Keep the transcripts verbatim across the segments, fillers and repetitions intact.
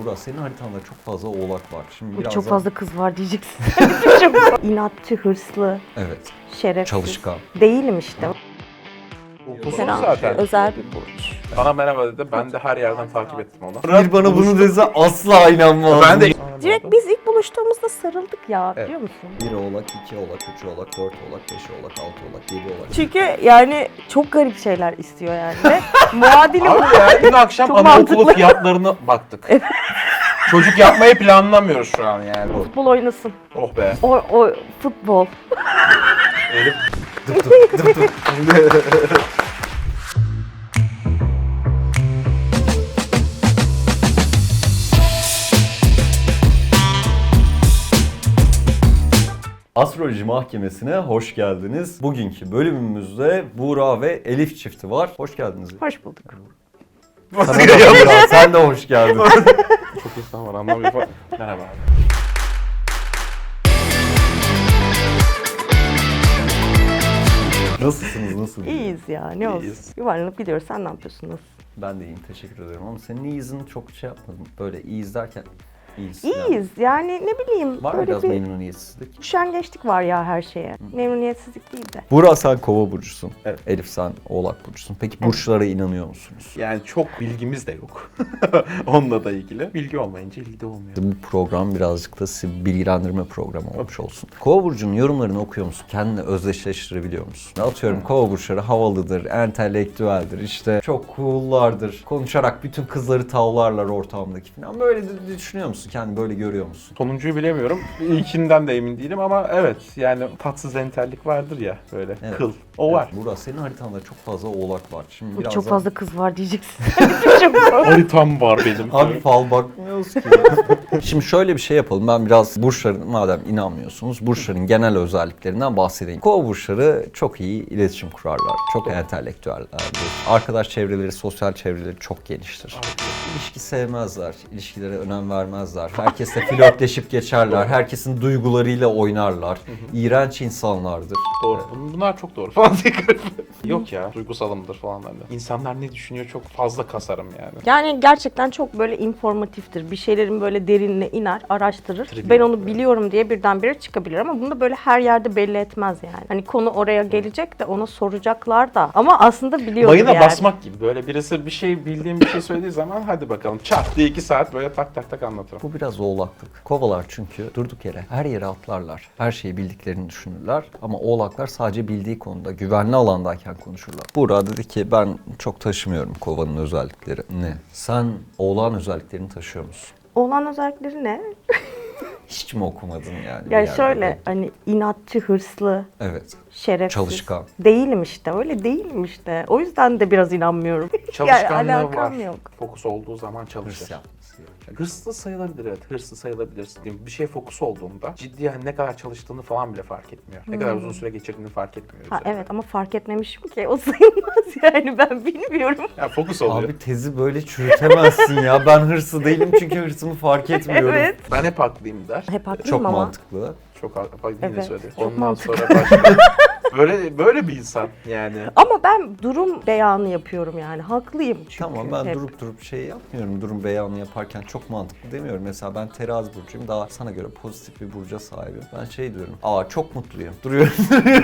Burak, senin haritanda çok fazla oğlak var. Şimdi Çok birazdan... fazla kız var diyeceksin. Çok inatçı, hırslı, Evet. şerefsiz. Çalışkan. Değilim işte. Okulsuz Selam. zaten. Özel bir burç. Bana merhaba dedi. Ben de her yerden takip ettim onu. Bir bana bunu dese asla inanmam. Ben de Direkt biz ilk buluştuğumuzda sarıldık ya, Evet. biliyor musun? Bir oğlak, iki oğlak, üç oğlak, dört oğlak, beş oğlak, altı oğlak, yedi oğlak. Çünkü yani çok garip şeyler istiyor yani. Ve muadili bu. Abi ya dün akşam Çok anaokulu mantıklı. fiyatlarına baktık. Çocuk yapmayı planlamıyoruz şu an yani. Futbol oynasın. Oh be. O, o futbol. Elif. Astroloji Mahkemesi'ne hoş geldiniz. Bugünkü bölümümüzde Buğra ve Elif çifti var. Hoş geldiniz. Hoş bulduk. Sana da Buğra, sen de hoş geldin. Çok insan var anlamıyor falan. Merhaba abi. Nasılsınız, nasıl? İyiyiz ya, ne olsun. İyiyiz. Yuvarlanıp gidiyoruz. Sen ne yapıyorsun? Nasıl? Ben de iyiyim, teşekkür ederim ama senin iyizini çok şey yapmadım. Böyle iyiyiz derken iyiyiz. yani. İyiyiz. Yani ne bileyim. Var mı böyle biraz bir memnuniyetsizlik? üşengeçlik var ya her şeye. Memnuniyetsizlik değil de. Buğra, sen Kova burcusun. Evet. Elif, sen Oğlak burcusun. Peki burçlara inanıyor musunuz? Yani çok bilgimiz de yok. Onunla da ilgili. Bilgi olmayınca ilgi de olmuyor. Bu program birazcık da sizi bilgilendirme programı olmuş olsun. Kova burcunun yorumlarını okuyor musun? Kendini özdeşleştirebiliyor musun? Atıyorum, Kova burçları havalıdır, entelektüeldir, işte çok cool'lardır. Konuşarak bütün kızları tavlarlar ortamdaki falan. Böyle de düşünüyor musun? Kendini böyle görüyor musun? Sonuncuyu bilemiyorum. İlkinden de emin değilim ama evet yani tatsız entellik vardır ya böyle Evet. kıl. O var. Burak, senin haritanda çok fazla oğlak var. Şimdi birazdan... Çok fazla kız var diyeceksin. Çok zor. Haritam var benim. Abi fal bakmıyoruz ki. Şimdi şöyle bir şey yapalım. Ben biraz burçların, madem inanmıyorsunuz, burçların genel özelliklerinden bahsedeyim. Kova burçları çok iyi iletişim kurarlar. Çok entelektüellerdir. Arkadaş çevreleri, sosyal çevreleri çok geniştir. İlişki sevmezler. İlişkilere önem vermezler. Herkesle flörtleşip geçerler. Herkesin duygularıyla oynarlar. İğrenç insanlardır. Doğru. Bunlar çok doğru falan diye garip. Yok ya duygusalımdır falan bende. İnsanlar ne düşünüyor çok fazla kasarım yani. Yani gerçekten çok böyle informatiftir. Bir şeylerin böyle derinine iner, araştırır. Trivia. Ben onu biliyorum diye birdenbire çıkabilir ama bunu da böyle her yerde belli etmez yani. Hani konu oraya gelecek de ona soracaklar da ama aslında biliyordur Mayına yani. basmak gibi böyle birisi bir şey bildiğim bir şey söylediği zaman hadi bakalım çat diye iki saat böyle tak tak tak anlatırım. Bu biraz oğlaklık. Kovalar çünkü durduk yere her yere atlarlar. Her şeyi bildiklerini düşünürler. Ama oğlaklar sadece bildiği konuda, güvenli alandayken konuşurlar. Buğra dedi ki ben çok taşımıyorum kovanın özelliklerini. Sen oğlağın özelliklerini taşıyor musun? Olan özellikleri ne? Hiç mi okumadın yani? bir Yani yerde? şöyle hani inatçı, hırslı, Evet. şerefsiz. Çalışkan. Değilim işte, öyle değilim işte. O yüzden de biraz inanmıyorum. Çalışkanlığı yani alakam var. yok. Fokus olduğu zaman Hırs çalışır. yapması gerekiyor. Hırslı sayılabilir evet. Hırslı sayılabilirsin. Bir şey fokus olduğunda ciddi yani ne kadar çalıştığını falan bile fark etmiyor. Ne kadar uzun süre geçirdiğini fark etmiyor. Ha, üzerinde. evet ama fark etmemişim ki o sayılmaz yani ben bilmiyorum. Ya fokus oluyor. Abi tezi böyle çürütemezsin ya. Ben hırslı değilim çünkü hırsımı fark etmiyorum. Evet. Ben hep haklıyım der. Hep haklıyım Çok ama. mantıklı. Çok haklı. Bak yine Evet, söyledi. çok Ondan mantıklı. sonra başka. böyle böyle bir insan yani. Ama ben durum beyanı yapıyorum yani. Haklıyım çünkü. Tamam, ben hep. durup durup şey yapmıyorum. Durum beyanı yaparken çok mantıklı demiyorum. Mesela ben terazi burcuyum. Daha sana göre pozitif bir burca sahibim. Ben şey diyorum. Aa çok mutluyum. Duruyorum.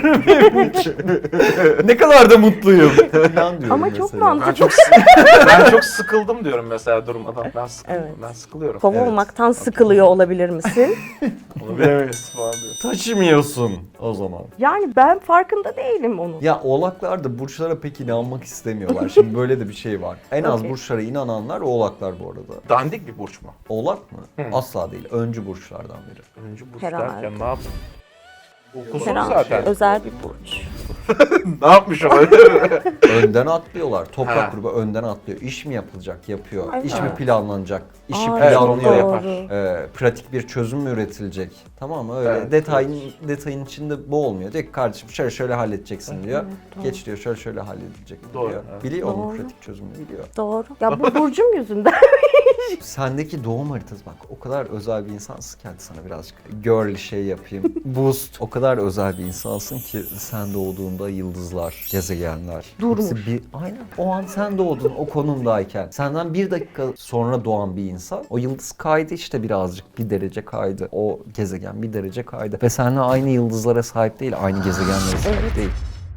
Ne kadar da mutluyum. Falan diyorum Ama çok mesela. mantıklı. Ben çok sı- ben çok sıkıldım diyorum mesela durmadan. Ben sıkıldım. Evet. Ben sıkılıyorum. Kova Evet. olmaktan sıkılıyor olabilir misin? Onu bilemeyiz falan diyor. Taşımıyorsun o zaman. Yani ben farkında değilim onun. Ya oğlaklar da burçlara pek inanmak istemiyorlar. Şimdi böyle de bir şey var. En az Okey. burçlara inananlar oğlaklar bu arada. Dandik bir burç mu? Oğlak mı? Asla değil. Öncü burçlardan biri. Önce burç Herhalde. derken ne yaptın? Okusuz Herhalde zaten. özel bir burç. Ne yapmış olabilir? Önden atlıyorlar. Toprak Ha. grubu önden atlıyor. İş mi yapılacak? Yapıyor. Evet. İş mi planlanacak? İşi Aa, Evet, planlıyor. onu doğru. yapar. Ee, pratik bir çözüm mü üretilecek? Tamam mı? Öyle Evet, detayın detayın içinde bu olmuyor. Diyor ki kardeşim şöyle şöyle halledeceksin diyor. doğru. Geç diyor şöyle şöyle halledilecek Doğru, diyor. evet. Biliyor onun Doğru. pratik çözümünü biliyor. Doğru. Ya bu burcum yüzünden Sendeki doğum haritası bak o kadar özel bir insansın ki hadi sana birazcık girl şey yapayım. Boost. O kadar özel bir insansın ki sen doğduğunda yıldızlar, gezegenler. Durmuş. hepsi Bir, aynen. O an sen doğdun o konumdayken. Senden bir dakika sonra doğan bir insan. O yıldız kaydı işte birazcık. Bir derece kaydı. O gezegen bir derece kaydı. Ve seninle aynı yıldızlara sahip değil. Aynı gezegenlere sahip değil.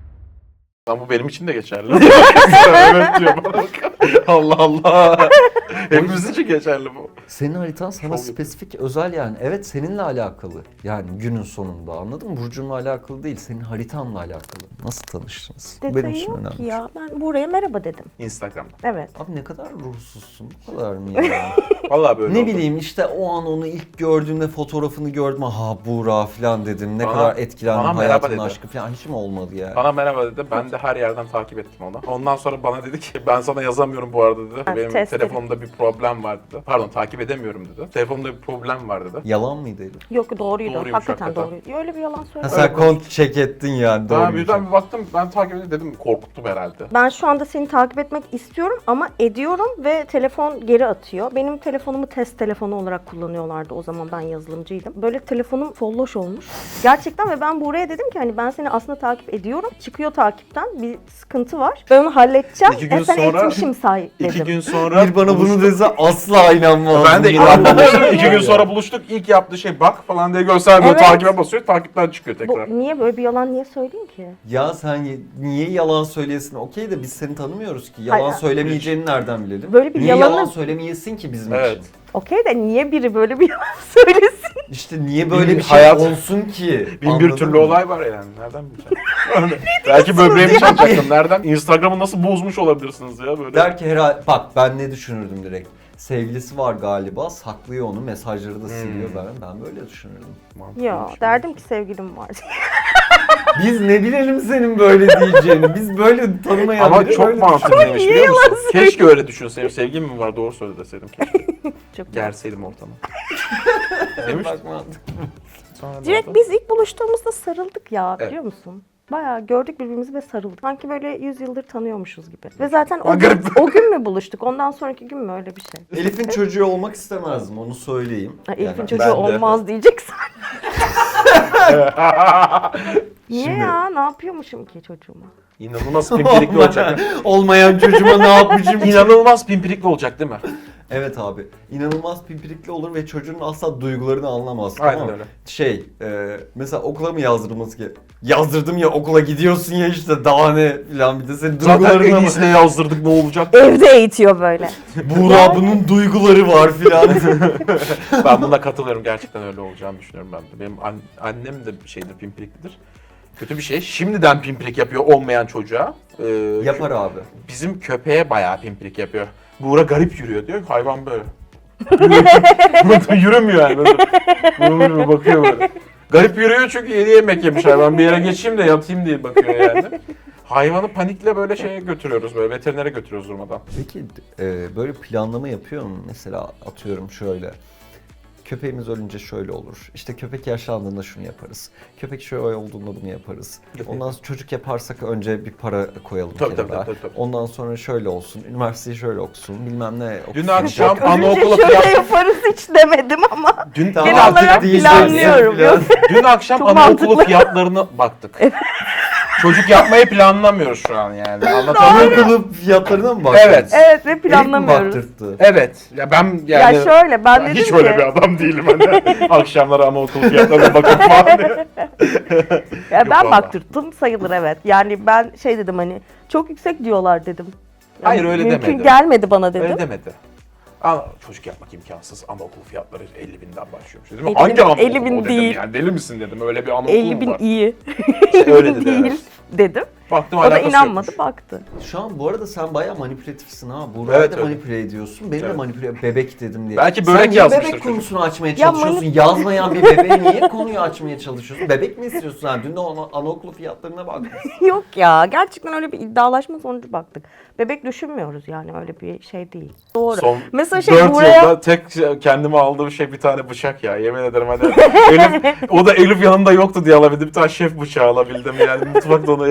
Lan bu benim için de geçerli. Evet diyor bana bak. Allah Allah. Hepimiz için geçerli bu. Senin haritan sana Şov spesifik, özel yani. Evet seninle alakalı. Yani günün sonunda anladın mı? Burcunla alakalı değil, senin haritanla alakalı. Nasıl tanıştınız? Bu benim Detayı için yok önemli. ki ya. Ben buraya merhaba dedim. Instagram'da. Evet. Abi ne kadar ruhsuzsun, bu kadar mı ya? Vallahi böyle Ne oldu. bileyim işte o an onu ilk gördüğümde fotoğrafını gördüm. Ha Buğra falan dedim. Ne Bana- kadar etkilendim bana merhaba hayatımın dedi. aşkı falan. Hiç mi olmadı ya? Bana merhaba dedi. Ben de her yerden takip ettim onu. Ondan sonra bana dedi ki ben sana yazamıyorum bu arada dedi. Ha, Benim test telefonumda bir problem var dedi. Pardon takip edemiyorum dedi. Telefonumda bir problem var dedi. Yalan mıydı Elif? Yok doğruydu. Doğruymuş hakikaten, hakikaten. doğruydu. Öyle bir yalan Ha söylemiyorum. sen kont check ettin yani. Daha Doğru. birden bir baktım ben takip edeyim dedim korkuttum herhalde. Ben şu anda seni takip etmek istiyorum ama ediyorum ve telefon geri atıyor. Benim telefonumu test telefonu olarak kullanıyorlardı o zaman, ben yazılımcıydım. Böyle telefonum folloş olmuş. Gerçekten ve ben buraya dedim ki hani ben seni aslında takip ediyorum. Çıkıyor takipten, bir sıkıntı var. Ben onu halledeceğim. İki gün e sen sonra- etmişim say dedim. İki gün sonra Bir bana bunu buluştuk. dese asla inanmam. Ben de Bunu inanmamıştım. anladım. İki gün sonra buluştuk. İlk yaptığı şey bak falan diye göstermiyor. Evet. Takibe basıyor. Takipten çıkıyor Bu, tekrar. niye böyle bir yalan niye söyleyeyim ki? Ya sen ye- niye yalan söyleyesin? Okey de biz seni tanımıyoruz ki. Yalan Hayır. söylemeyeceğini nereden bilelim? Böyle bir niye yalanı- yalan söylemeyesin ki bizim Evet. için? Okey de niye biri böyle bir yalan söylesin? İşte niye böyle Bin- bir şey hayat- olsun ki? Bin bir Anladın türlü mı? olay var yani. Nereden bileceksin? Belki böbreğimi çalacaktım. Nereden? Instagram'ı nasıl bozmuş olabilirsiniz ya böyle? Der ki herhalde bak ben ne düşünürdüm direkt. Sevgilisi var galiba, saklıyor onu, mesajları da siliyor Hmm. ben. Ben böyle düşünürdüm. Ya derdim ki sevgilim var. Biz ne bilelim senin böyle diyeceğini. Biz böyle tanımayan Ama biri çok böyle mantıklıymış biliyor musun? Keşke öyle düşünseydim. Sevgim mi var? Doğru söyle deseydim keşke. Çok Gerseydim ortamı. düşünüyorum. Demiş. Bak mantıklı. Sonra ne Direkt oldu? biz ilk buluştuğumuzda sarıldık ya, Evet. biliyor musun? Bayağı gördük birbirimizi ve sarıldık. Sanki böyle yüz yıldır tanıyormuşuz gibi. Ve zaten o Aa, gün, garip. o gün mü buluştuk? Ondan sonraki gün mü, öyle bir şey? Elif'in çocuğu olmak istemezdim, onu söyleyeyim. Ha, Elif'in Yani çocuğu ben de. olmaz diyeceksen. Niye Şimdi- ya? Ne yapıyormuşum ki çocuğuma? İnanılmaz pimpirikli olacak. Olmayan çocuğuma ne yapmışım? İnanılmaz pimpirikli olacak değil mi? Evet abi. İnanılmaz pimpirikli olur ve çocuğun asla duygularını anlamaz. Aynen tamam mı? öyle. Şey, e, mesela okula mı yazdırılması ki? Yazdırdım ya okula gidiyorsun ya işte daha ne filan bir de senin Zaten en duygularını ama. iyisine yazdırdık ne olacak? Evde eğitiyor böyle. Buğra bunun duyguları var filan. Ben buna katılıyorum. Gerçekten öyle olacağını düşünüyorum ben de. Benim an- annem de şeydir, pimpiriklidir. Kötü bir şey. Şimdiden pimpirik yapıyor olmayan çocuğa. Ee, Yapar abi. Bizim köpeğe bayağı pimprik yapıyor. Buğra garip yürüyor diyor. Hayvan böyle. Yürümüyor yani. Böyle. Böyle bakıyor böyle. Garip yürüyor çünkü yeni yemek yemiş hayvan. Bir yere geçeyim de yatayım diye bakıyor yani. Hayvanı panikle böyle şeye götürüyoruz, böyle veterinere götürüyoruz durmadan. Peki e, böyle planlama yapıyor mu? Mesela atıyorum şöyle. Köpeğimiz ölünce şöyle olur. İşte köpek yaşlandığında şunu yaparız. Köpek şöyle olduğunda bunu yaparız. Ondan sonra çocuk yaparsak önce bir para koyalım Tabii, kenara. tabii, tabii, tabii. Ondan sonra şöyle olsun. Üniversiteyi şöyle okusun. Bilmem ne okusun. Dün akşam Önce anaokulu şöyle fiyat... yaparız hiç demedim ama. Dün, Tamam, Genel artık olarak diyeceksin planlıyorum. filan. Yok. dün akşam Çok anaokulu mantıklı. fiyatlarına baktık. Çocuk yapmayı planlamıyoruz şu an yani. Anlatabiliyor muyum? Anaokulu fiyatlarına mı baktın? Evet. Evet ve Elif mi planlamıyoruz. baktırttı? Evet. Ya ben yani... Ya şöyle ben dedim hiç ki. öyle bir adam değilim hani. Akşamları anaokulu fiyatlarına bakıp falan diye. Ya Yok ben valla. baktırttım sayılır, evet. Yani ben şey dedim hani çok yüksek diyorlar dedim. Yani Hayır, öyle mümkün demedi. gelmedi bana dedim. Öyle demedi. Ana, çocuk yapmak imkansız. Anaokulu fiyatları elli binden başlıyormuş dedim. elli Hangi bin- anaokulu elli bin o dedim değil. yani. Deli misin dedim. Öyle bir anaokulu elli mu bin var? iyi. İşte öyle dedi, değil evet. dedim. Baktım O da alakası inanmadı, yokmuş. baktı. Şu an bu arada sen bayağı manipülatifsin ha. Buğra'yı Evet, da öyle. manipüle ediyorsun. Beni de Evet. manipüle bebek dedim diye. Belki Sen börek niye yazmıştır bebek çocuk. konusunu açmaya Ya çalışıyorsun? Yazmayan bir bebeğe niye konuyu açmaya çalışıyorsun? Bebek mi istiyorsun sen? Dün de ana, anaokulu fiyatlarına bakmışsın. Yok ya, gerçekten öyle bir iddialaşma sonucu baktık. Bebek düşünmüyoruz yani, öyle bir şey değil. Doğru. Son Mesela şey dört buraya yılda tek şey- kendime aldığım şey bir tane bıçak ya. Yemin ederim hani Elif, o da Elif yanında yoktu diye alabildim. Bir tane şef bıçağı alabildim yani mutfakta onu. O, o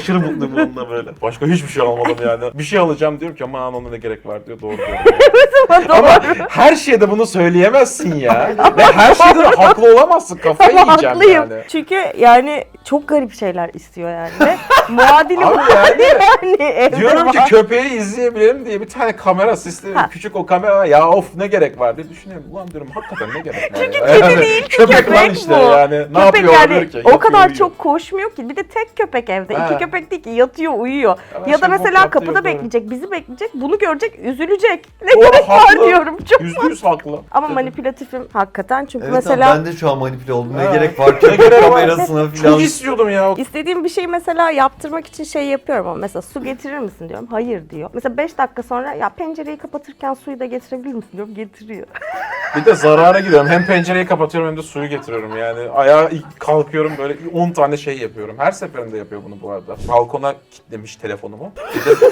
aşırı mutluyum bununla böyle. Başka hiçbir şey almadım yani. Bir şey alacağım diyorum ki aman ona ne gerek var diyor. Doğru diyor. Ama her şeyde bunu söyleyemezsin ya. Ve her şeyde de haklı olamazsın. Kafayı Ama yiyeceğim haklıyım. yani. Çünkü yani çok garip şeyler istiyor yani. Ve muadili Abi bu yani yani evde diyorum ki var. köpeği izleyebilirim diye bir tane kamera sistemi, Ha. küçük o kamera var. Ya of ne gerek var diye düşünüyorum. Ulan diyorum hakikaten ne gerek var Çünkü ya. kedi Yani değil ki, köpek, köpek lan işte bu. yani. Ne Köpek yapıyor yani olabilir ki? o Yatıyor, kadar uyuyor. çok koşmuyor ki. Bir de tek köpek evde. Ha. İki köpek değil ki yatıyor uyuyor. Ama Ya da şey bok mesela yaptı, kapıda yok, doğru. bekleyecek, bizi bekleyecek, bunu görecek, üzülecek. Ne Doğru, gerek var haklı. diyorum. Çok Yüzde yüz haklı. ama manipülatifim hakikaten çünkü Evet mesela abi, ben de şu an manipüle oldum. Ne Ha. gerek var Ne köpek gerek var? kamerasına falan. Çok istiyordum ya. istediğim bir şeyi mesela yaptırmak için şey yapıyorum ama mesela su getirir misin diyorum. Hayır diyor. Mesela beş dakika sonra ya pencereyi kapatırken suyu da getirebilir misin diyorum. Getiriyor. Bir de zarara giriyorum. Hem pencereyi kapatıyorum hem de suyu getiriyorum yani. Ayağa ilk kalkıyorum böyle on tane şey yapıyorum. Her seferinde yapıyor bunu bu arada. Balkona kilitlemiş telefonumu. Bir de-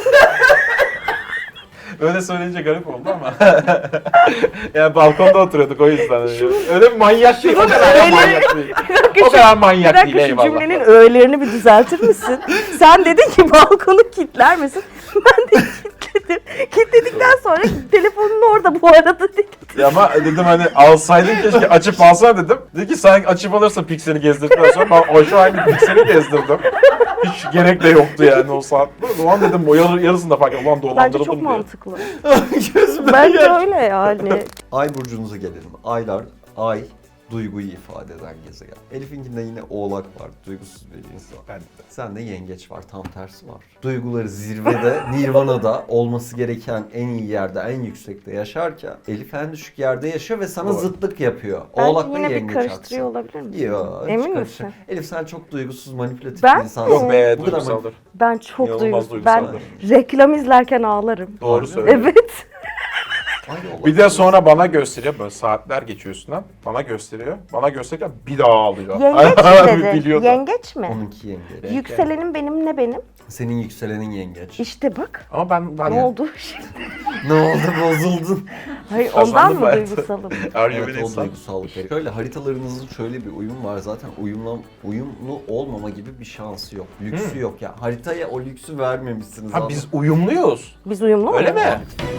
Öyle söyleyince garip oldu ama. Yani balkonda oturuyorduk o yüzden. Öyle bir manyak değil. O kadar da manyak değil. O kadar Bir manyak dakika değil şu eyvallah. cümlenin öğelerini bir düzeltir misin? Sen dedin ki balkonu kilitler misin? Ben de kilitledim. Kilitledikten sonra telefonun orada bu arada dedim. Ya ama dedim hani alsaydın keşke açıp alsana dedim. Dedi ki sen açıp alırsa pikseli gezdirdikten sonra ben o şu aynı pikseli gezdirdim. Hiç gerek de yoktu yani o saatte. O zaman dedim o yarı, yarısında fark ettim. Ulan Bence dolandırıldım çok diye. mantıklı. Gözüme Bence geldi. öyle yani. Ay burcunuza gelelim. Aylar, ay duyguyu ifade eden gezegen. Elif'inkinde yine oğlak var, duygusuz bir insan. Ben de. Sende yengeç var, tam tersi var. Duyguları zirvede, nirvanada olması gereken en iyi yerde, en yüksekte yaşarken Elif en düşük yerde yaşıyor ve sana Doğru. zıtlık yapıyor. Bence Oğlakla yine bir yengeç karıştırıyor aksi. olabilir misin? Yok, hiç Emin karışık. misin? Elif sen çok duygusuz, manipülatif Ben bir insansın. Yok be Bu kadar duygusaldır. Ben çok İnanılmaz duygusuz. Ben duygusaldır. reklam izlerken ağlarım. Doğru Harbi mi? söylüyorsun. Evet. Ay, oğlak. Bir de sonra bana gösteriyor böyle saatler geçiyor üstünden. Bana gösteriyor. Bana gösterirken bir daha ağlıyor. Yengeç mi dedi? Biliyordu. Yengeç mi? Onunki yengeç. Yükselenim benim ne benim? Senin yükselenin yengeç. İşte bak. Ama ben ben Ne oldu? Ne oldu, bozuldun? Hayır Kazandım ondan mı ben. duygusalım? Are you Evet, an o insan? duygusallık. Şöyle haritalarınızın şöyle bir uyum var. Zaten uyumlu, uyumlu olmama gibi bir şansı yok. Lüksü yok ya. Haritaya o lüksü vermemişsiniz. Ha anladın biz mı? uyumluyuz. Biz uyumlu Öyle muyuz? mi?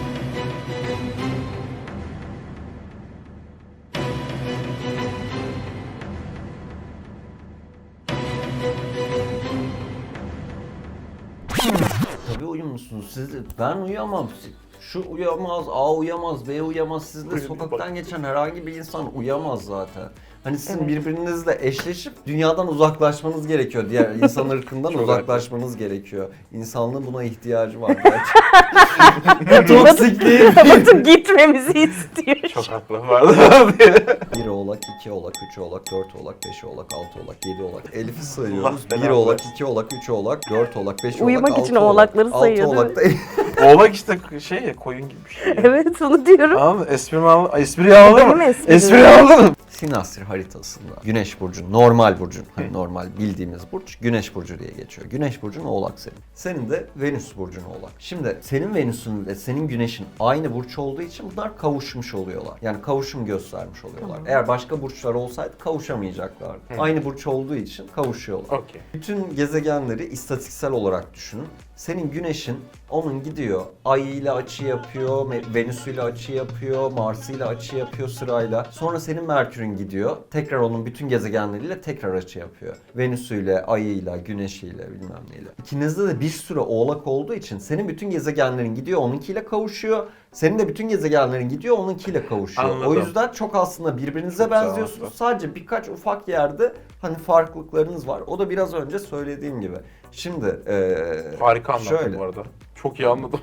Tabii uyumlusunuz. Siz de, ben uyuyamam. Şu uyamaz, A uyamaz, B uyamaz. Sizle Uyudum, sokaktan bak. geçen herhangi bir insan uyamaz zaten. Hani sizin Evet. birbirinizle eşleşip dünyadan uzaklaşmanız gerekiyor. Diğer insan ırkından Çok uzaklaşmanız gerekiyor. İnsanlığın buna ihtiyacı var gerçekten. Toksikliği. Batı gitmemizi istiyor. Çok haklı vardı. bir oğlak, iki oğlak, üç oğlak, dört oğlak, beş oğlak, altı oğlak, yedi oğlak. Elif'i sayıyoruz. Allah bir belanı oğlak, versin. iki oğlak, üç oğlak, dört oğlak, beş oğlak, Uyumak altı için oğlak. oğlakları Altı sayıyor, oğlak da Oğlak işte şey ya koyun gibi bir şey. Ya. Evet onu diyorum. Anladın mı? Esprimi aldın. Espriyi aldın Benim mı? esprim. Espriyi aldın mı? Sinastri haritasında Güneş burcu, normal burcun, hani normal bildiğimiz burç Güneş burcu diye geçiyor. Güneş burcun Oğlak senin. Senin de Venüs burcun Oğlak. Şimdi senin Venüs'ün ve senin Güneş'in aynı burç olduğu için bunlar kavuşmuş oluyorlar. Yani kavuşum göstermiş oluyorlar. Eğer başka burçlar olsaydı kavuşamayacaklardı. Aynı burç olduğu için kavuşuyorlar. Okey. Bütün gezegenleri istatistiksel olarak düşünün. Senin Güneş'in onun gidiyor, Ay ile açı yapıyor, Venüs ile açı yapıyor, Mars ile açı yapıyor sırayla. Sonra senin Merkür'ün gidiyor, tekrar onun bütün gezegenleriyle tekrar açı yapıyor. Venüs ile, Ay ile, Güneş ile bilmem neyle. İkinizde de bir sürü oğlak olduğu için senin bütün gezegenlerin gidiyor, onunkiyle kavuşuyor. Senin de bütün gezegenlerin gidiyor, onunkiyle kavuşuyor. Anladım. O yüzden çok aslında birbirinize Çok güzel benziyorsunuz. anlattın. Sadece birkaç ufak yerde hani farklılıklarınız var. O da biraz önce söylediğim gibi. Şimdi eee Harika anlattın şöyle. bu arada. Çok iyi anladım.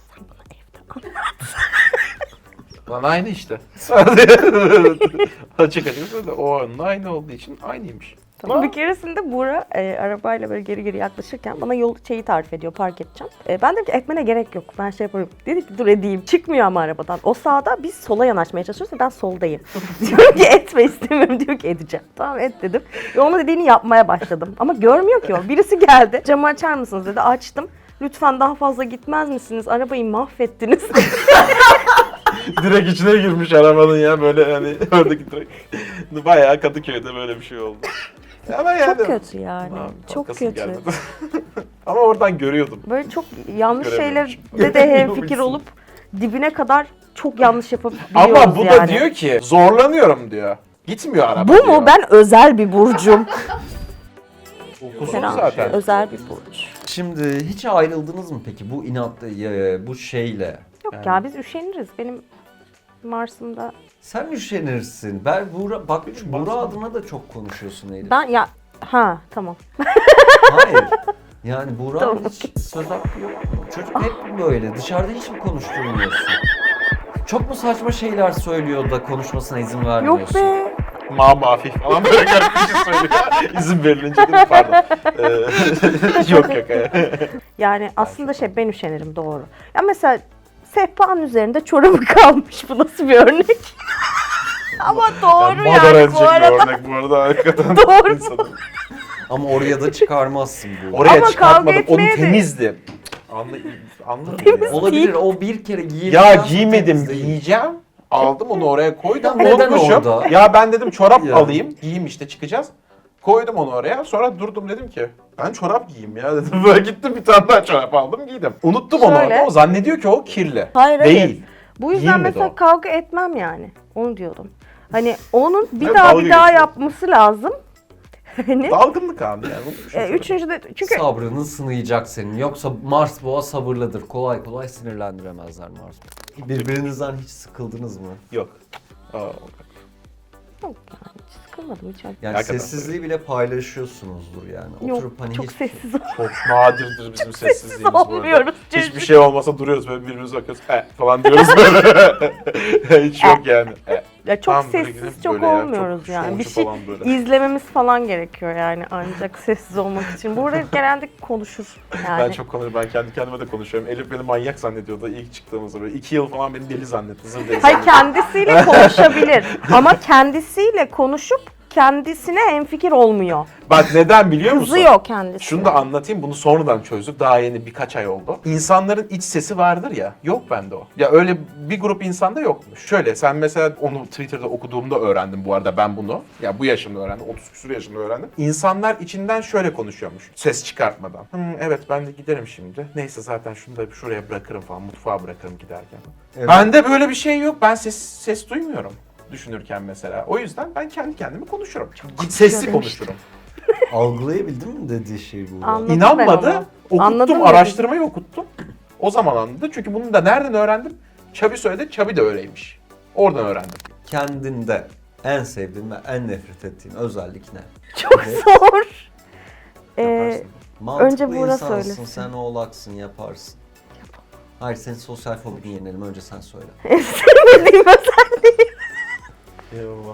Lan aynı işte. Açık açık söyle. O onun aynı olduğu için aynıymış. Tamam. Bir keresinde Buğra e, arabayla böyle geri geri yaklaşırken bana yol şeyi tarif ediyor, park edeceğim. E, ben dedim ki etmene gerek yok, ben şey yaparım. Dedi ki dur edeyim. Çıkmıyor ama arabadan. O sağda, biz sola yanaşmaya çalışıyoruz ve ben soldayım. Diyorum ki etme istemiyorum, diyor ki edeceğim. Tamam et dedim. Ve onun dediğini yapmaya başladım. Ama görmüyor ki o. Birisi geldi, camı açar mısınız dedi, açtım. Lütfen daha fazla gitmez misiniz? Arabayı mahvettiniz. Direkt içine girmiş arabanın ya böyle hani oradaki direkt. Bayağı Kadıköy'de böyle bir şey oldu. Ama yani. Çok kötü yani. Ha, Çok kalkasım kötü. gelmedi. Ama oradan görüyordum. Böyle çok yanlış Göremiyorum. şeylerde de hemfikir olup dibine kadar çok yanlış yapabiliyoruz Ama bu yani. da diyor ki zorlanıyorum diyor. Gitmiyor araba Bu diyor. mu? Ben özel bir burcum. Okusun Herhalde zaten. özel bir burç. Şimdi hiç ayrıldınız mı peki bu inatla, e, bu şeyle? Yok Yani- ya biz üşeniriz. Benim Mars'ımda. Sen üşenirsin. Ben Buğra, bak Benim Buğra Mars'ım- adına da çok konuşuyorsun Elif. Ben ya ha tamam. Hayır. Yani Buğra Tamam. hiç söz hakkı yok mu? Çocuk hep böyle. Dışarıda hiç mi konuşturmuyorsun? Çok mu saçma şeyler söylüyor da konuşmasına izin vermiyorsun? Yok be. Ma mafi falan böyle garip bir şey söylüyor. İzin verilince değil mi? Pardon. Ee, yok yok. Yani aslında şey ben üşenirim doğru. Ya mesela sehpanın üzerinde çorabı kalmış. Bu nasıl bir örnek? Ama doğru Yani madara yani edecek bu arada. bir örnek bu arada hakikaten. Doğru. insanın. Ama oraya da çıkarmazsın bu. Oraya Ama çıkartmadım. kavga Onu etmeye de- temizdi. Anla, anladın ya. Olabilir, o bir kere giyip... Ya giymedim, giyeceğim. Aldım onu oraya koydum. Ya neden Unutmuşum. orada? Ya ben dedim çorap Ya. alayım. Giyeyim işte çıkacağız. Koydum onu oraya. Sonra durdum dedim ki ben çorap giyeyim ya dedim. Böyle gittim bir tane daha çorap aldım giydim. Unuttum onu Şöyle. orada. O zannediyor ki o kirli. Hayır, hayır. Değil. Bu yüzden Giyinmedi mesela o. kavga etmem yani. Onu diyordum. Hani onun bir Ben daha dalga bir daha geçiyorum. yapması lazım. Hani Dalgınlık abi yani. Unutmuşum. e, üçüncü de çünkü Sabrını sınayacak senin. Yoksa Mars boğa sabırlıdır. Kolay kolay sinirlendiremezler Mars boğa. Birbirinizden hiç sıkıldınız mı? Yok. Aa, yok yani hiç sıkılmadım hiç. Yani Hakikaten sessizliği bile paylaşıyorsunuzdur yani. Yok Oturup hani çok hiç... sessiz ol- çok nadirdir bizim sessizliğimiz bu arada. olmuyoruz. Hiçbir şey olmasa duruyoruz böyle birbirimize bakıyoruz. E falan diyoruz böyle. Hiç yok yani. E. Ya çok Tam böyle sessiz gidip çok böyle ya, olmuyoruz çok yani. Bir şovcu şey falan böyle. izlememiz falan gerekiyor yani ancak sessiz olmak için. Burada genelde konuşur yani. Ben çok konuşuyorum. Ben kendi kendime de konuşuyorum. Elif beni manyak zannediyordu ilk çıktığımızda böyle. iki yıl falan beni deli zannetti. Zır deli Hayır zannetti. kendisiyle konuşabilir ama kendisiyle konuşup kendisine hemfikir olmuyor. Bak neden biliyor musun? Kızıyor kendisi. Şunu da anlatayım. Bunu sonradan çözdük. Daha yeni birkaç ay oldu. İnsanların iç sesi vardır ya. Yok bende o. Ya öyle bir grup insanda yokmuş. Şöyle sen mesela onu Twitter'da okuduğumda öğrendim bu arada ben bunu. Ya bu yaşımda öğrendim. otuz küsur yaşında öğrendim. İnsanlar içinden şöyle konuşuyormuş. Ses çıkartmadan. Hmm, evet ben de giderim şimdi. Neyse zaten şunu da şuraya bırakırım falan. Mutfağa bırakırım giderken. Evet. Bende böyle bir şey yok. Ben ses ses duymuyorum düşünürken mesela. O yüzden ben kendi kendime konuşurum. Sesli demiştim. konuşurum. Algılayabildin mi dediği şeyi bu? Anladım. İnanmadı. ben onu. Okuttum, Anladım araştırmayı okuttum. O zaman anladı. Çünkü bunu da nereden öğrendim? Çabi söyledi, Çabi de öyleymiş. Oradan öğrendim. Kendinde en sevdiğin ve en nefret ettiğin özellik ne? Çok Ne? zor. Ee, Yaparsın. Mantıklı Önce Buğra insansın, söylesin. sen oğlaksın, yaparsın. Hayır, senin sosyal fobini yenelim. Önce sen söyle. en sevmediğim özelliği. İnanılmaz.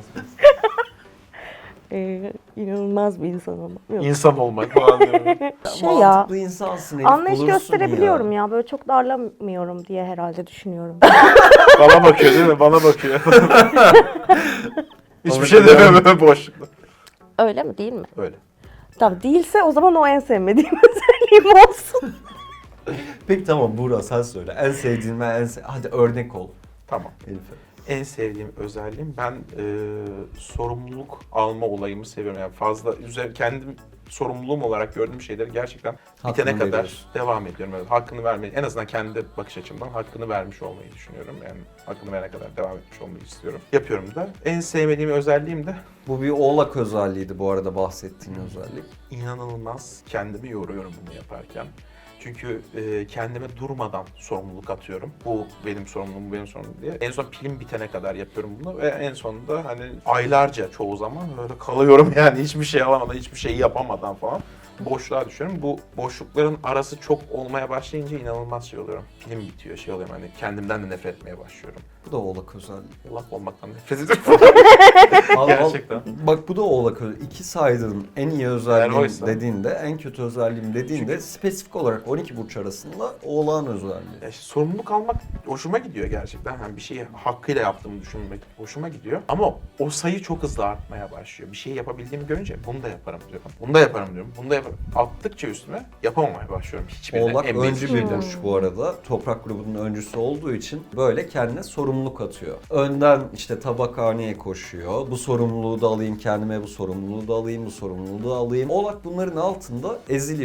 Ee, inanılmaz bir insan ama. Yok. İnsan olmak falan diyorum. Şey ya, Mantıklı insansın Elif, anlayış bulursun gösterebiliyorum ya. ya. Böyle çok darlamıyorum diye herhalde düşünüyorum. Bana bakıyor değil mi? Bana bakıyor. Hiçbir Ama şey neden? demiyor böyle boşlukta. Öyle mi değil mi? Öyle. Tamam değilse o zaman o en sevmediğim özelliğim olsun. Peki tamam Buğra sen söyle. En sevdiğin ve en se- Hadi örnek ol Tamam. Elif'e. En sevdiğim özelliğim ben e, sorumluluk alma olayımı seviyorum. Yani fazla üzer kendim sorumluluğum olarak gördüğüm şeyleri gerçekten Hakkını bitene kadar veriyorsun. devam ediyorum. Yani hakkını vermeyi, en azından kendi bakış açımdan hakkını vermiş olmayı düşünüyorum. Yani hakkını verene kadar devam etmiş olmayı istiyorum. Yapıyorum da. En sevmediğim özelliğim de Bu bir oğlak özelliğiydi bu arada bahsettiğin özellik. inanılmaz kendimi yoruyorum bunu yaparken. Çünkü e, kendime durmadan sorumluluk atıyorum. Bu benim sorumluluğum, bu benim sorumluluğum diye. En son pilim bitene kadar yapıyorum bunu ve en sonunda hani aylarca çoğu zaman böyle kalıyorum yani hiçbir şey alamadan, hiçbir şey yapamadan falan. Boşluğa düşüyorum. Bu boşlukların arası çok olmaya başlayınca inanılmaz şey oluyorum. Pilim bitiyor, şey oluyorum hani kendimden de nefret etmeye başlıyorum. Bu da oğlak özelliği. Laf olmaktan nefret ediyorum. Al- al- Gerçekten. Bak bu da oğlak özelliği. İki saydığın en iyi özelliğim Eğer oysa- dediğinde, en kötü özelliğim dediğinde Çünkü- spesifik olarak on iki burç arasında oğlağın özelliği. Ya işte sorumluluk almak hoşuma gidiyor gerçekten. Hani bir şeyi hakkıyla yaptığımı düşünmek hoşuma gidiyor. Ama o sayı çok hızlı artmaya başlıyor. Bir şeyi yapabildiğimi görünce bunu da yaparım diyorum. Bunu da yaparım diyorum. Bunu da yaparım. Attıkça üstüme yapamamaya başlıyorum. Hiçbirine. Oğlak En öncü basic bir şeyden. burç bu arada. Toprak grubunun öncüsü olduğu için böyle kendine sorumluluk atıyor. Önden işte tabakhaneye koşuyor. Bu sorumluluğu da alayım kendime, bu sorumluluğu da alayım, bu sorumluluğu da alayım. Oğlak bunların altında eziliyor.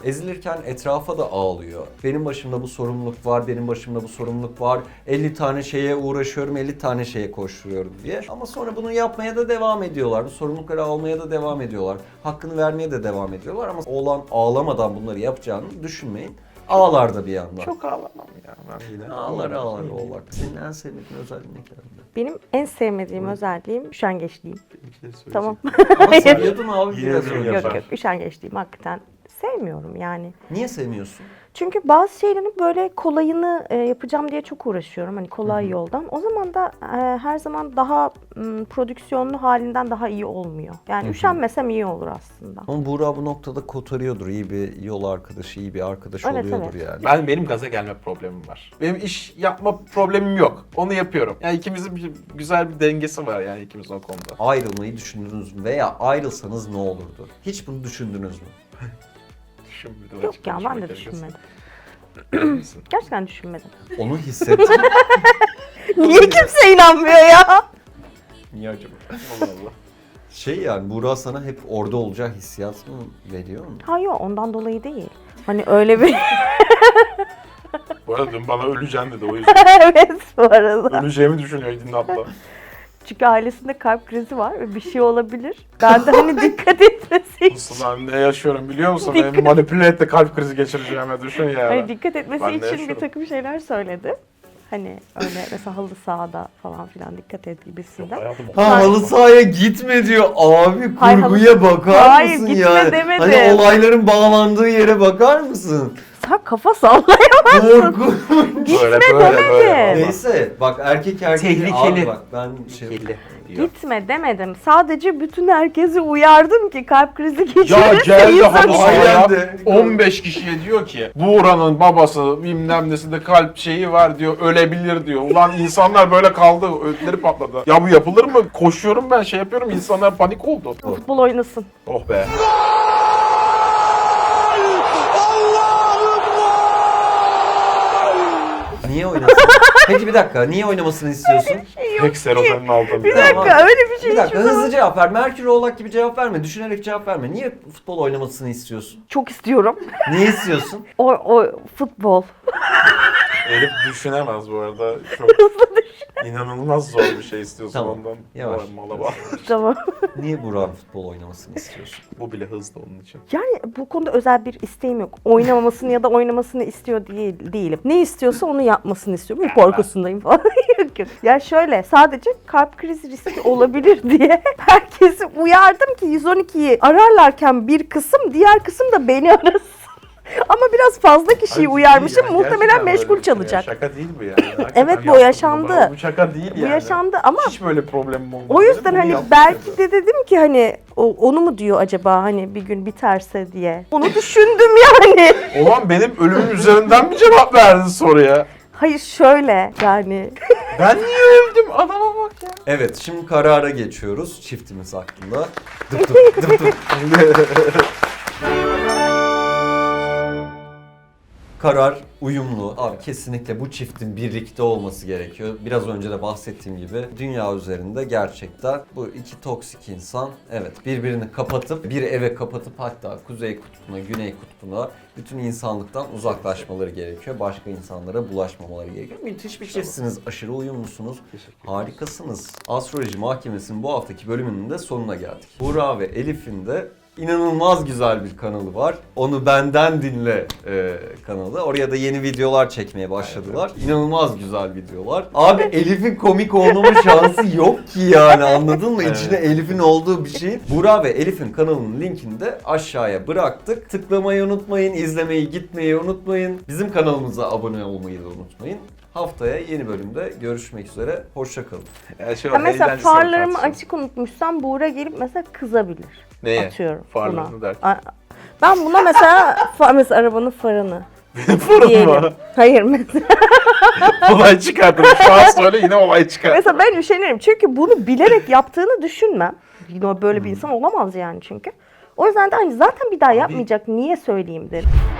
Ezilirken etrafa da ağlıyor. Benim başımda bu sorumluluk var, benim başımda bu sorumluluk var. elli tane şeye uğraşıyorum, elli tane şeye koşturuyorum diye. Ama sonra bunu yapmaya da devam ediyorlar. Bu sorumlulukları almaya da devam ediyorlar. Hakkını vermeye de devam ediyorlar. Ama oğlan ağlamadan bunları yapacağını düşünmeyin. Ağlar da bir yandan. Çok ağlamam ya ben yine. Ağlar ağlar oğlak. Senin en sevdiğin özelliğin ne kendinde? Benim en sevmediğim özelliğim üşengeçliğim. Tamam. Ama söylüyordun abi Yine biraz de önce. Yok yapar. yok, üşengeçliğim hakikaten sevmiyorum yani. Niye sevmiyorsun? Çünkü bazı şeylerin böyle kolayını e, yapacağım diye çok uğraşıyorum. Hani kolay yoldan. O zaman da e, her zaman daha m, prodüksiyonlu halinden daha iyi olmuyor. Yani üşenmesem iyi olur aslında. Ama Buğra bu noktada kotarıyordur. İyi bir yol arkadaşı, iyi bir arkadaş Evet, oluyordur evet. yani. Ben benim gaza gelme problemim var. Benim iş yapma problemim yok. Onu yapıyorum. Yani ikimizin bir, güzel bir dengesi var yani ikimizin o konuda. Ayrılmayı düşündünüz mü? Veya ayrılsanız ne olurdu? Hiç bunu düşündünüz mü? Düşünmedim. Yok açık ya ben konuşmak de gerekirse. düşünmedim. Gerçekten düşünmedim. Onu hissettim. Niye kimse inanmıyor ya? Niye acaba? Allah Allah. Şey yani Buğra sana hep orada olacağı hissiyat mı veriyor mu? Hayır ondan dolayı değil. Hani öyle bir... Bu arada dün bana öleceğim dedi o yüzden. evet bu arada. Öleceğimi düşünüyor Dinle abla. Çünkü ailesinde kalp krizi var ve bir şey olabilir. Ben de hani dikkat etmesi için. Nasıl ben ne yaşıyorum biliyor musun? Beni manipüle etti kalp krizi geçireceğime düşün ya. Hani dikkat etmesi Ben de için bir yaşıyorum. takım şeyler söyledi. Hani öyle mesela halı sahada falan filan dikkat et gibisinden. Hayatım Ha halı sahaya gitme diyor. Abi Hayır, kurguya halı- bakar Hayır, mısın gitme yani? demedim. Hani olayların bağlandığı yere bakar mısın? Sen kafa sallayamazsın. Korku. Böyle Gitme böyle böyle. demedim. Neyse bak erkek erkek Tehlikeli. Abi bak ben şey Kirli diyor. Gitme demedim. Sadece bütün herkesi uyardım ki kalp krizi geçirirse Ya geldi insan halı iyi. sahaya Geldi. on beş kişiye diyor ki Buğra'nın babası bilmem nesinde kalp şeyi var diyor ölebilir diyor. Ulan insanlar böyle kaldı ödleri patladı. Ya bu yapılır mı? Koşuyorum ben şey yapıyorum insanlar panik oldu. Futbol oynasın. Oh be. Niye oynasın? Peki bir dakika niye oynamasını istiyorsun? Pek serotonin aldım. Bir ya. dakika öyle bir şey Bir dakika hiçbir zaman- hızlı cevap ver. Merkür Oğlak gibi cevap verme. Düşünerek cevap verme. Niye futbol oynamasını istiyorsun? Çok istiyorum. Niye istiyorsun? O, o futbol. Elif düşünemez bu arada. Çok inanılmaz zor bir şey istiyorsun Tamam, ondan. yavaş. Vay Mala bak. Tamam. Niye Burak'ın futbol oynamasını istiyorsun? Bu bile hızlı onun için. Yani bu konuda özel bir isteğim yok. Oynamamasını ya da oynamasını istiyor değil, değilim. Ne istiyorsa onu yapmasını istiyorum. Bir korkusundayım falan. Yok yok. Ya şöyle sadece kalp krizi riski olabilir diye herkesi uyardım ki yüz on ikiyi ararlarken bir kısım diğer kısım da beni arasın. Ama biraz fazla kişiyi Hayır, uyarmışım. değil ya, Muhtemelen gerçekten meşgul böyle bir şey ya. çalacak. Şaka değil bu yani. Hakikaten Evet, bu yaptım yaşandı. bunu. Bu şaka değil Bu yani. yaşandı ama Hiç böyle problemim olmadı. o yüzden Bunu hani yaptım belki dedi. de dedim ki hani o- onu mu diyor acaba hani bir gün biterse diye. Onu düşündüm yani. Ulan benim ölümüm üzerinden mi cevap verdin soruya? Hayır şöyle yani. Ben niye öldüm? Adama bak ya. Evet şimdi karara geçiyoruz çiftimiz hakkında. Dıp dıp dıp dıp. Karar uyumlu. Abi kesinlikle bu çiftin birlikte olması gerekiyor. Biraz önce de bahsettiğim gibi dünya üzerinde gerçekten bu iki toksik insan evet birbirini kapatıp bir eve kapatıp hatta kuzey kutbuna, güney kutbuna bütün insanlıktan uzaklaşmaları gerekiyor. Başka insanlara bulaşmamaları gerekiyor. Müthiş bir çiftsiniz. Aşırı uyumlusunuz. Harikasınız. Astroloji Mahkemesi'nin bu haftaki bölümünün de sonuna geldik. Buğra ve Elif'in de İnanılmaz güzel bir kanalı var. Onu benden dinle e, kanalı. Oraya da yeni videolar çekmeye başladılar. İnanılmaz güzel videolar. Abi Elif'in komik olmama şansı yok ki yani anladın mı? Evet. İçine Elif'in olduğu bir şey. Burak ve Elif'in kanalının linkini de aşağıya bıraktık. Tıklamayı unutmayın, izlemeyi gitmeyi unutmayın. Bizim kanalımıza abone olmayı da unutmayın. Haftaya yeni bölümde görüşmek üzere. Hoşça kalın. Yani şey Ya var, mesela eğlencesine farlarımı tartışalım. açık unutmuşsam Buğra gelip mesela kızabilir. Neye? Atıyorum Farlarını buna. derken. A- Ben buna mesela fa- mesela arabanın farını Benim fırın diyelim. var. Hayır mesela. Olay çıkartırım. Şu an söyle yine olay çıkar. Mesela ben üşenirim. Çünkü bunu bilerek yaptığını düşünmem. Yine böyle bir insan olamaz yani çünkü. O yüzden de hani zaten bir daha yapmayacak. Niye söyleyeyim derim.